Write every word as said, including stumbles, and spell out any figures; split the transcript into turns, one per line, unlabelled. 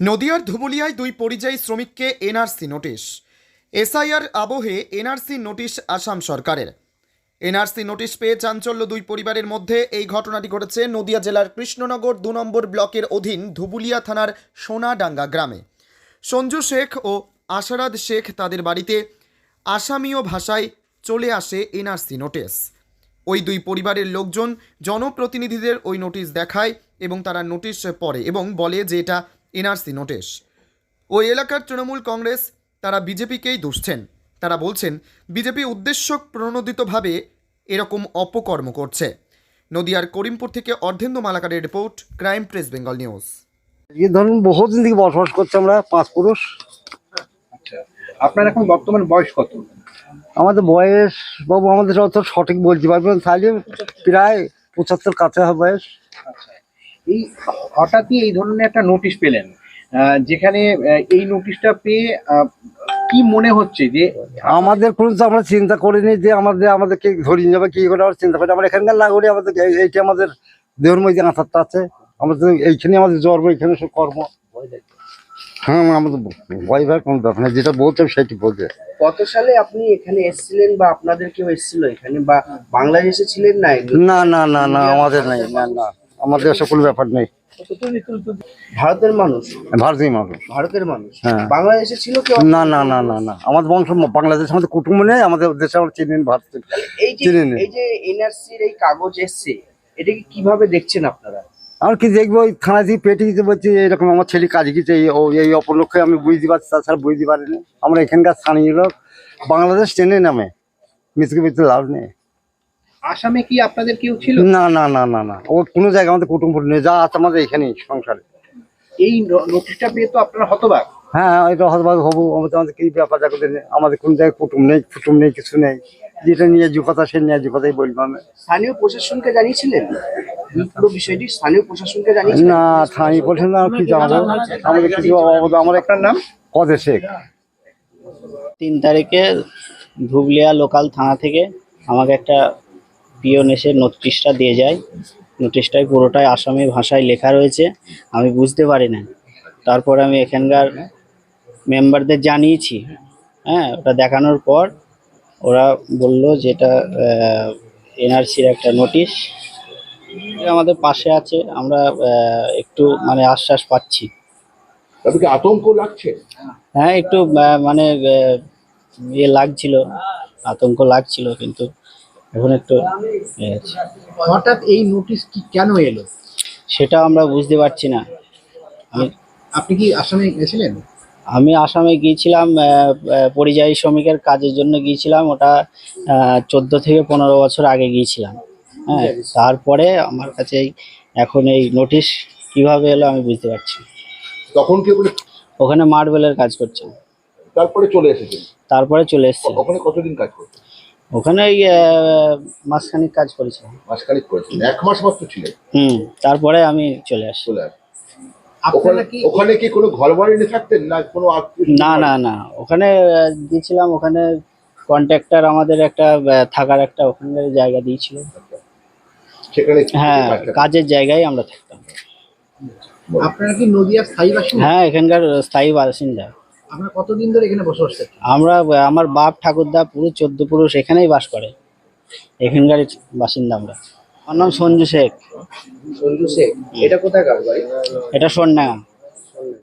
নদিয়ার ধুবুলিয়ায় দুই পরিযায়ী শ্রমিককে এনআরসি নোটিশ। এসআইআর আবহে এনআরসি নোটিশ আসাম সরকারের। এনআরসি নোটিশ পেয়ে চাঞ্চল্য দুই পরিবারের মধ্যে। এই ঘটনাটি ঘটেছে নদিয়া জেলার কৃষ্ণনগর দু নম্বর ব্লকের অধীন ধুবুলিয়া থানার সোনাডাঙ্গা গ্রামে। সঞ্জু শেখ ও আশারাদ শেখ তাদের বাড়িতে আসামীয় ভাষায় চলে আসে এনআরসি নোটিশ। ওই দুই পরিবারের লোকজন জনপ্রতিনিধিদের ওই নোটিশ দেখায় এবং তারা নোটিশ পড়ে এবং বলে যে এটা এনআরসি নোটিশ। ওই এলাকার তৃণমূল কংগ্রেস তারা বিজেপিকেই দুষছেন। তারা বলছেন বিজেপি উদ্দেশ্য প্রণোদিতভাবে এরকম অপকর্ম করছে। নদিয়ার করিমপুর থেকে অর্ধেন্দু মালাকারের report, crime press Bengal news.
এই ধরুন বহুদিন থেকে বসবাস করছে আমরা পাঁচ পুরুষ।
আচ্ছা, আপনার এখন বর্তমান বয়স কত?
আমাদের বয়স বাবু আমাদের অত সঠিক বলতে পারবেন, তাহলে প্রায় পঁচাত্তর কাছে হবে বয়স।
আচ্ছা, এই হঠাৎই এই ধরনের একটা নোটিশ পেলেন, আহ, যেখানে আহ, এই নোটিশটা পেয়ে আহ, কি মনে হচ্ছে যে
আমাদের কোনো তো আমরা চিন্তা করিনি যে আমাদের আমাদেরকে ধরিয়ে যাবে কি করে, আমরা চিন্তা করি আমরা এখানকার নাগরিক, আমাদের এই- এইটা আমাদের দেহের মধ্যে আঁচারটা আছে, আমাদের এইখানে আমাদের জন্ম, এইখানে সব কর্ম। হ্যাঁ, আমাদের ভয় ভয় কোনো ব্যাপার না, যেটা বলতে সেটি বলতে।
কত সালে আপনি এখানে এসেছিলেন বা আপনাদের কেউ এসেছিল এখানে বা বাংলাদেশে ছিলেন না?
না না না না আমাদের নেই, না না আমাদের এসব কোনো ব্যাপার নেই।
ভারতের মানুষ?
ভারতীয় মানুষ।
ভারতের মানুষ
হ্যাঁ।
বাংলাদেশে ছিল কেউ?
না না না না না আমাদের বংশ বাংলাদেশ, আমাদের কুটুম্ব নেই, আমাদের দেশে আমরা চিনি না, ভারত
এই যে
চিনি না।
এই যে এনআরসির এই কাগজ এসছে, এটাকে কিভাবে দেখছেন আপনারা?
আর কি দেখবো, ওই থানা থেকে পেটে দিতে বলছি এরকম আমার ছেলে কাজ গিয়েছে, এই ও- এই অপলক্ষে আমি বুঝতে পারছি, তাছাড়া বুঝতে পারিনি। আমরা এখানকার স্থানীয় লোক, বাংলাদেশ ট্রেনে নামে মিসকে বুঝতে লাভ নেই।
আসামে কি আপনাদের কেউ ছিল?
না না না না না ও কোনো জায়গায় আমাদের কুটুম্ব নেই, যা আছে আমাদের এখানেই সংসারে।
এই ন- নোটিশটা পেয়ে তো আপনারা হতবাক।
হ্যাঁ, এটা হতবাক হবো, আমাদের আমাদের কি ব্যাপার দেখো, আমাদের কোনো জায়গায় কুটুম নেই, কুটুম নেই, কিছু নেই। যেটা নিয়ে কথা সে নিয়ে কথাই বলবো আমি।
স্থানীয় প্রশাসনকে জানিয়েছিলেন এই পুরো বিষয়টি? স্থানীয় প্রশাসনকে জানিয়েছিলেন?
না, থানি বলছেন না, কি জানাবো আমাদের কিছু অবদান। আমার একটা নাম কদে শেখ।
তিন তারিখে ধুবলিয়া লোকাল থানা থেকে আমাকে একটা পিওন এসে নোটিশটা দিয়ে যায়। নোটিশটায় পুরোটাই আসামি ভাষায় লেখা রয়েছে, আমি বুঝতে পারি না। তারপরে আমি এখানকার মেম্বারদের জানিয়েছি। হ্যাঁ, ওটা দেখানোর পর ওরা বলল যেটা এনআরসির একটা নোটিশ আমাদের পাশে আছে, আমরা আহ, একটু মানে আশ্বাস পাচ্ছি।
তাদেরকে আতঙ্ক লাগছে।
হ্যাঁ, একটু আহ, মানে আহ, ইয়ে লাগছিল, আতঙ্ক লাগছিল, কিন্তু এখন একটু ইয়ে আছে।
হঠাৎ এই নোটিশ কি কেন এলো?
সেটা আমরা বুঝতে পারছি না। আমি
আপনি কি আসামে গেছিলেন?
আমি আসামে গিয়েছিলাম, আহ, আহ, পরিযায়ী শ্রমিকের কাজের জন্য গিয়েছিলাম। ওটা চোদ্দো থেকে পনেরো বছর আগে গিয়েছিলাম। হ্যাঁ, তারপরে আমার কাছে এই- এখন এই নোটিশ কিভাবে এলো আমি বুঝতে পারছি না।
তখন কি ওখানে
ওখানে মার্বেলের কাজ করছে,
তারপরে চলে এসেছেন?
তারপরে চলে এসছে।
ওখানে কতদিন কাজ করতেন?
ওখানে ওই আহ, মাসখানিক কাজ করেছিলাম।
মাসখানিক করেছেন, এক মাস মাত্র ছিলেন,
হুম, তারপরে আমি চলে আসি।
চলে আসেন।
আপনারা
ওখানে
কি
ওখানে কি কোনো ঘর বাড়ি নিয়ে থাকতেন না কোনো আত্মীয়?
না না না ওখানে আহ, দিয়েছিলাম, ওখানে কন্ট্রাক্টর আমাদের একটা আহ, থাকার একটা ওখানকার জায়গা দিয়েছিল।
সেখানে
হ্যাঁ,
কাজ করতেন?
কাজের জায়গায় আমরা থাকতাম।
আপনারা কি নদিয়ার স্থায়ী বাসিন্দা?
হ্যাঁ, এখানকার স্থায়ী বাসিন্দা।
আপনারা কতদিন ধরে এখানে বসবাস করছেন?
আমরা আহ, আমার বাপ ঠাকুরদা পুরো চোদ্দ পুরুষ এখানেই বাস করে, এখানকার বাসিন্দা আমরা। আমার নাম সঞ্জু শেখ।
সঞ্জু শেখ, এটা কোথাকার বাড়ি?
এটা সোনডাঙ্গা।